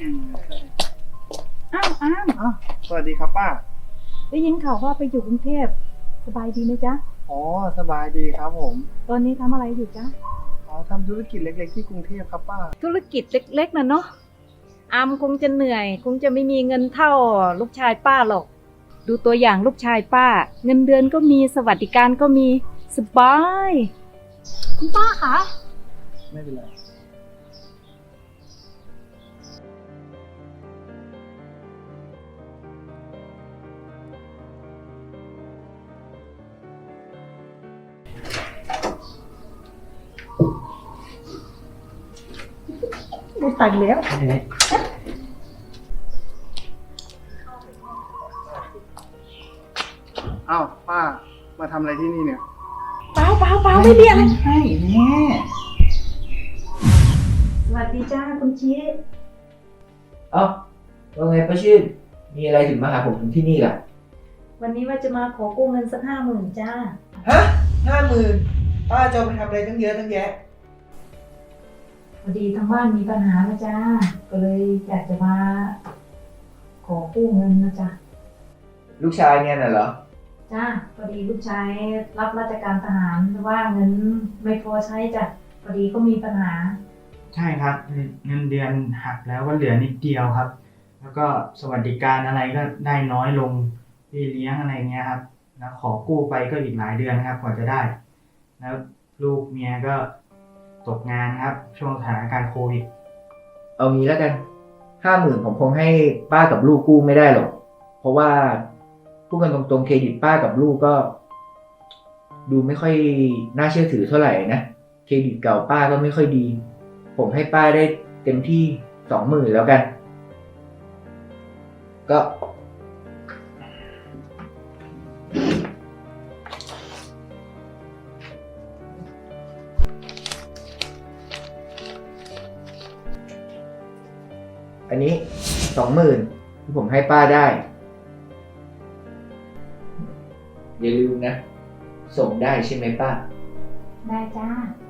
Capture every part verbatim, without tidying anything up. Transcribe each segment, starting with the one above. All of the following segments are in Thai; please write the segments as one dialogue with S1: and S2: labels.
S1: อ้าวอ้าม
S2: อ้าวสวัสดีครับป้า
S1: ได้ยินข่าวว่าไปอยู่กรุงเทพสบายดีไหมจ๊ะ
S2: อ๋อสบายดีครับผม
S1: ตอนนี้ทำอะไรอยู่จ๊ะ
S2: อ๋อทำธุรกิจเล็กๆที่กรุงเทพครับป้า
S1: ธุรกิจเล็กๆนะเนาะอามคงจะเหนื่อยคงจะไม่มีเงินเท่าลูกชายป้าหรอกดูตัวอย่างลูกชายป้าเงินเดือนก็มีสวัสดิการก็มีสบายคุณป้าคะ
S2: ไม่เป็นไร
S1: ได้ตังค์แล้ว
S2: อ้าวป้ามาทำอะไรที่นี่เนี่ย
S1: เปล่าเปล่าเปล่าไม่มีอะไร
S2: ใช่แม่
S1: สวัสดีจ้าคุณชี้
S3: เอ้าว่าไงป้าชื่นมีอะไรถึงมาหาผมถึงที่นี่ล่ะ
S1: วันนี้ว่าจะมาขอกู้เงินสักห้าหมื่นจ้า
S3: ฮะห้าหมื่นป้าจะเอาไปทำอะไรตั้งเยอะตั้งแยะ
S1: พอดีทางบ้านมีปัญหานะจ้าก็เลยอยากจะมาขอกู้เงินนะจ้า
S3: ลูกชายเนี่ยน่ะเหรอ
S1: จ้าพอดีลูกชายรับราชการทหารแต่ว่าเงินไม่พอใช้จ้ะพอดีก็มีปัญหา
S4: ใช่ครับเงินเดือนหักแล้วก็เหลือนิดเดียวครับแล้วก็สวัสดิการอะไรก็ได้น้อยลงพี่เลี้ยงอะไรเงี้ยครับแล้วขอกู้ไปก็อีกหลายเดือนนะครับกว่าจะได้แล้วลูกเมียก็ตกงานครับช่วงสถานการณ์โควิด
S3: เอางี้แล้วกันห้าหมื่นผมคงให้ป้ากับลูกกู้ไม่ได้หรอกเพราะว่าพูดกันตรงๆเครดิตป้ากับลูกก็ดูไม่ค่อยน่าเชื่อถือเท่าไหร่นะเครดิตเก่าป้าก็ไม่ค่อยดีผมให้ป้าได้เต็มที่สองหมื่นแล้วกันก็อันนี้สองหมื่นที่ผมให้ป้าได้อย่าลืมนะส่งได้ใช่ไหมป้า
S1: ได้จ้า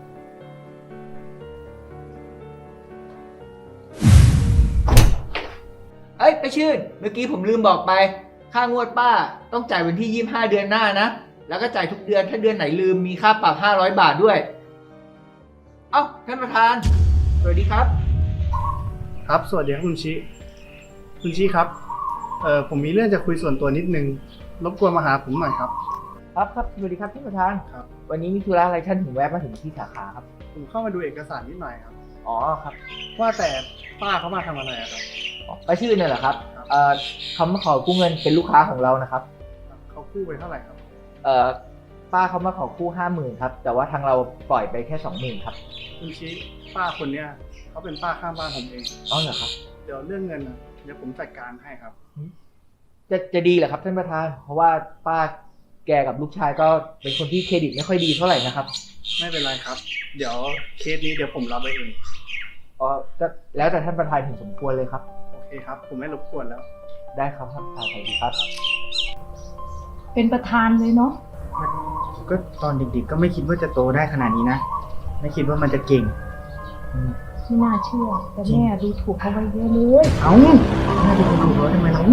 S3: เอ้ยไปชื่นเมื่อกี้ผมลืมบอกไปค่างวดป้าต้องจ่ายวันที่ยี่สิบห้าเดือนหน้านะแล้วก็จ่ายทุกเดือนถ้าเดือนไหนลืมมีค่าปรับห้าร้อยบาทด้วยเอ้าท่านประธานสวัสดีครับ
S2: ครับสวัสดีครับคุณชิคุณชิครับเอ่อผมมีเรื่องจะคุยส่วนตัวนิดนึงรบกวนมาหาผมหน่อยครับ
S3: ครับครับสวัสดีครับท่านประธาน
S2: ครับ
S3: วันนี้มีธุระอะไรท่านถึงแวะมาถึงที่สาขาครับ
S2: ผมเข้ามาดูเอกสารนิดหน่อยครับ
S3: อ๋อครับ
S2: ว่าแต่ป้าเขามาทำอะไรครับ
S3: ไปชื่อเนี่ยเหรอครับเอ่อเขามาขอกู้เงินเป็นลูกค้าของเรานะครับ
S2: เขากู้ไปเท่าไหร่ครับ
S3: เอ่อป้าเขามาขอกู้ห้าหมื่นครับแต่ว่าทางเราปล่อยไปแค่สองหมื่นครับ
S2: คุณชิป้าคนเนี้ยเขาเป็นป้าข้างบ้านผมเอง
S3: อ๋อเหรอครับ
S2: เดี๋ยวเรื่องเงินนะเดี๋ยวผมจัดการให้ครับ
S3: จะจะดีเหรอครับท่านประธานเพราะว่าป้าแกกับลูกชายก็เป็นคนที่เครดิตไม่ค่อยดีเท่าไหร่นะครับ
S2: ไม่เป็นไรครับเดี๋ยวเคสนี้เดี๋ยวผมรับไปเอง
S3: อ๋อก็แล้วแต่ท่านประธานเห็นสมควรเลยครับ
S2: โอเคครับผมไม่รบกวนแล้ว
S3: ได้ครับท่านประธานสวัสดีครับ
S1: เป็นประธานเลยเนาะ
S4: ก็ตอนเด็กๆก็ไม่คิดว่าจะโตได้ขนาดนี้นะไม่คิดว่ามันจะเก่ง
S1: ไม่น่าเชื่อแต่แม่ดูถูกเขาไว้เยอะเลย
S4: เอ้าน่าจะถูกแล้วทำไมล่ะ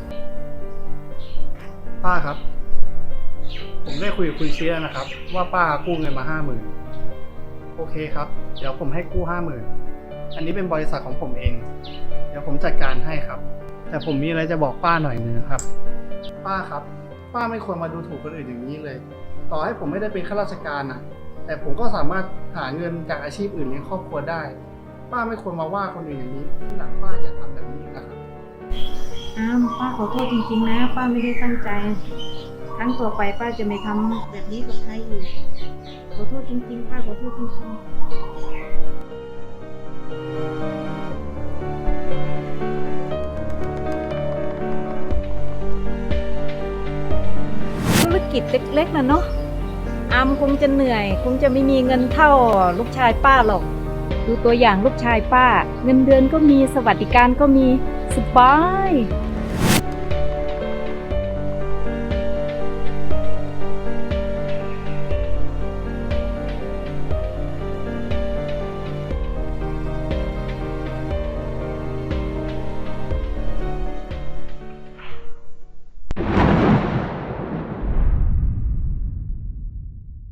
S2: ป้าครับผมได้คุยกับคุณเชียนะครับ ว่าป้ากู้เงินมาห้าหมื่นโอเคครับเดี๋ยวผมให้กู้ห้าหมื่นอันนี้เป็นบริษัทของผมเองเดี๋ยวผมจัดการให้ครับแต่ผมมีอะไรจะบอกป้าหน่อยนึงครับป้าครับป้าไม่ควรมาดูถูกคนอื่นอย่างนี้เลยต่อให้ผมไม่ได้เป็นข้าราชการนะแต่ผมก็สามารถหาเงินจากอาชีพอื่นเลี้ยงครอบครัวได้ป้าไม่ควรมาว่าคนอื่นอย่างนี้ที่หลังป้าอย่าทำแบบนี้นะครับ
S1: อ้าวป้าขอโทษจริงๆนะป้าไม่ได้ตั้งใจครั้งต่อไปป้าจะไม่ทำแบบนี้กับใครอีกขอโทษจริงๆป้าขอโทษจริงๆธุรกิจเล็กๆนะเนาะอามคงจะเหนื่อยคงจะไม่มีเงินเท่าลูกชายป้าหรอกดูตัวอย่างลูกชายป้าเงินเดือนก็มีสวัสดิการก็มีสบาย